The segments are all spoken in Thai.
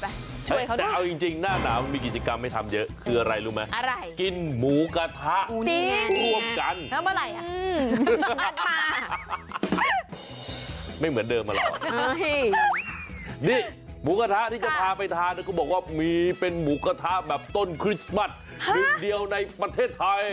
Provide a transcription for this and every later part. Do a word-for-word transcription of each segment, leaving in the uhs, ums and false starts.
ไปช่วยเขาด้วยแต่เอาจริงๆหน้าหนาวมีกิจกรรมไม่ทำเยอะคืออะไรรู้ไหมอะไรกินหมูกระทะจริงร่วมกันแล้วเมื่อไหร่อ่ะนัดมาไม่เหมือนเดิมมาหรอกเฮ้ยนี่หมูกระทะที่จะค่ะพาไปทานก็บอกว่ามีเป็นหมูกระทะแบบต้นคริสต์มาสหนึ่งเดียวในประเทศไทย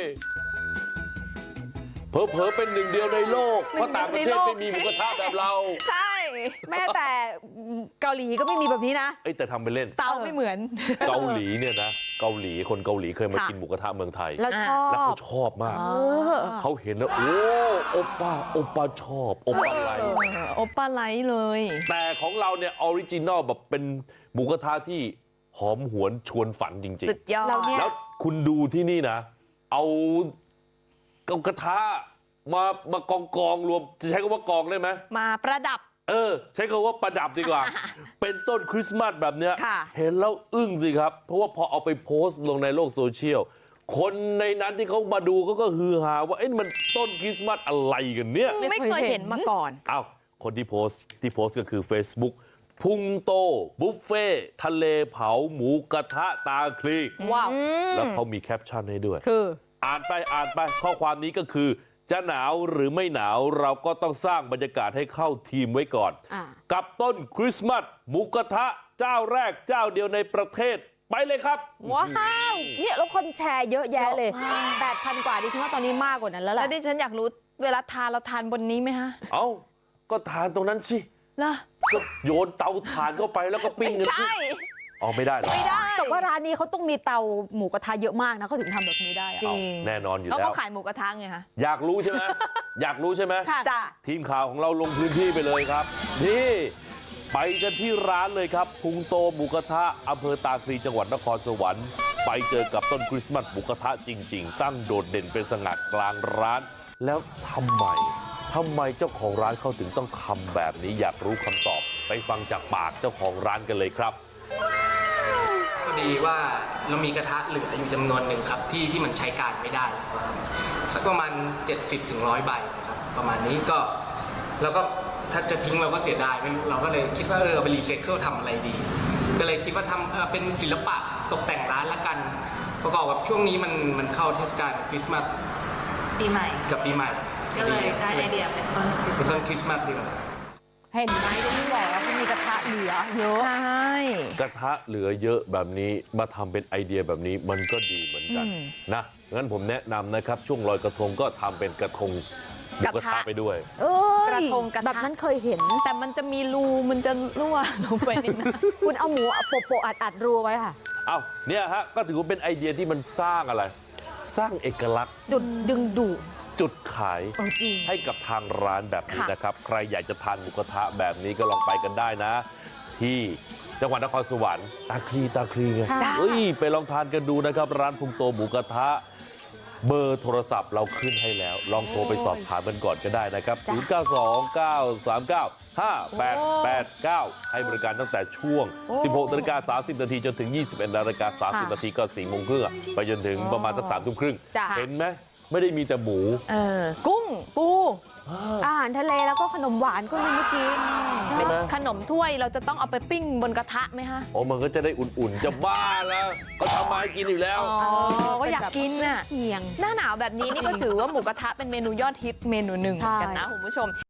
เผลอๆเป็นหนึ่งเดียวในโลกเพราะต่างประเทศไม่มีหมูกระทะแบบเราใช่แม้แต่เกาหลีก็ไม่มีแบบนี้นะเอ้ยแต่ทำไปเล่นเตาไม่เหมือนเกาหลีเนี่ยนะเกาหลีคนเกาหลีเคยมาค่ะกินหมูกระทะเมืองไทยแล้วชอแล้วเขาบชอบมากเออเขาเห็นแล้วโอ้โอป้าโอป้าชอบโอป้าไลค์โอปป้าไลท์เลยแต่ของเราเนี่ยออริจินอลแบบเป็นหมูกระทะที่หอมหวนชวนฝันจริงสุดยอดเราเนี่ยๆ แล้วคุณดูที่นี่นะ เอากระทะมามากองกองๆรวมจะใช้คำว่ากองได้ไหมมาประดับเออ ใช้คำว่าประดับดีกว่า เป็นต้นคริสต์มาสแบบเนี้ยค่ะเห็นแล้วอึ้งสิครับ เพราะว่าพอเอาไปโพสต์ลงในโลกโซเชียลคนในนั้นที่เขามาดูเขาก็ฮือฮาว่าเอ้ยมันต้นคริสต์มาสอะไรกันเนี่ยไม่เคยเห็นมาก่อนอ้าวคนที่โพสต์ที่โพสต์ก็คือ Facebook พุงโต บุฟเฟ่ทะเลเผาหมูกระทะตาคลีว้าวแล้วเขามีแคปชั่นให้ด้วยคืออ่านไปอ่านไปข้อความนี้ก็คือ จะหนาวหรือไม่หนาวเราก็ต้องสร้างบรรยากาศให้เข้าทีมไว้ก่อนอ่ากับต้นคริสต์มาสหมูกระทะเจ้าแรกเจ้าเดียวในประเทศไปเลยครับว้าวเนี่ยแล้วคนแชร์เยอะแยะเลย แปดพัน กว่าดิฉันว่าตอนนี้มากกว่านั้นแล้วแล้ล่ะวดิฉันอยากรู้เวลาทานเราทานบนนี้ไหมฮะเอ้าก็ทานตรงนั้นสิเหรอก็โยนเตาถ่านเข้าไปแล้วก็ปิ้งกันสิใช่อ๋อไม่ได้เหรอไม่ได้แต่ว่าร้านนี้เขาต้องมีเตาหมูกระทะเยอะมากนะเขาถึงทำแบบนี้ได้อะจริเอางแน่นอนอยู่เขาแล้ก็วขายหมูกระทะไงคะอยากรู้ใช่ไหม อยากรู้ใช่ไหมค่ะจ้ะทีมข่าวของเราลงพื้นที่ไปเลยครับ นี่ไปกันที่ร้านเลยครับพุงโตหมูกระทะอำเภอตาคลีจังหวัดนครสวรรค์ไปเจอกับต้นคริสต์มาสหมูกระทะจริง ๆ ตั้งโดดเด่นเป็นสง่ากลางร้าน แล้วทำไมทำไมเจ้าของร้านเขาถึงต้องทำแบบนี้อยากรู้คำตอบ ไปฟังจากปากเจ้าของร้านกันเลยครับพอดีว่าเรามีกระทะเหลืออยู่จำนวนหนึ่งครับที่ที่มันใช้การไม่ได้ครับสักประมาณ เจ็ดสิบถึงหนึ่งร้อย ใบนะครับประมาณนี้ก็แล้วก็ถ้าจะทิ้งเราก็เสียดายไม่รู้เราก็เลยคิดว่าเออเอาไปรีไซเคิลทำอะไรดี ก็เลยคิดว่าทำเออเป็นศิลปะตกแต่งร้านละกัน ประกอบกับช่วงนี้มันมันเข้าเทศกาลคริสต์มาสปีใหม่กับปีใหม่ก็เลยได้ไอเดียเป็นต้นคริสเป็นต์ต้มาน สคริสต์มาสดีกว่าเห็นไหมก็นี่แหละเขามีกระทะเหลือเยอะใช่กระทะเหลือเยอะแบบนี้มาทำเป็นไอเดียแบบนี้มันก็ดีเหมือนกันนะงั้นผมแนะนำนะครับ ช่วงลอยกระทงก็ทำเป็นกระทงหมูกระทะไปด้วยเอ้ยกระทงกระทะแบบนั้นเคยเห็นแต่มันจะมีรูมันจะรั่วลงไปในน้ำคุณเอาหมูโปะโปะอัดอัดๆรูไว้ค่ะเอ้าเนี่ยฮะก็ถือว่าเป็นไอเดียที่มันสร้างอะไร สร้างเอกลักษณ์จุดดึงดูดจุดขายเออจริงให้กับทางร้านแบบนี้ค่ะนะครับ ใครอยากจะทานหมูกระทะแบบนี้ก็ลองไปกันได้นะ ที่จังหวัดนครสวรรค์ตาคลีตาคลีไงค่ะเฮ้ยไปลองทานกันดูนะครับ ร้านพุงโตหมูกระทะ เบอร์โทรศัพท์เราขึ้นให้แล้ว ลองโทรไปสอบถามกันก่อนก็ได้นะครับ ศูนย์ เก้า สอง เก้า สาม เก้า ห้า แปด แปด เก้า ให้บริการตั้งแต่ช่วง สิบหกนาฬิกาสามสิบนาทีจนถึง ยี่สิบเอ็ดนาฬิกาสามสิบนาทีก็สี่โมงครึ่งอะไปจนถึงประมาณสักสามทุ่มครึ่งจ้ะเห็นไหมไม่ได้มีแต่หมูเออ กุ้ง ปูอาหารทะเลแล้วก็ขนมหวานก็มีเมื่อกี้ใช่ไหมขนมถ้วยเราจะต้องเอาไปปิ้งบนกระทะไหมฮะโอ้มันก็จะได้อุ่นๆ จะบ้าแล้ว ก็ทำมาให้กินอยู่แล้วอ๋อ ก็อยากกินน่ะเอียงหน้าหนาวแบบนี้นี่ก็ถือว่าหมูกระทะเป็นเมนูยอดฮิตเมนูหนึ่งเหมือนกันนะคุณผู้ชม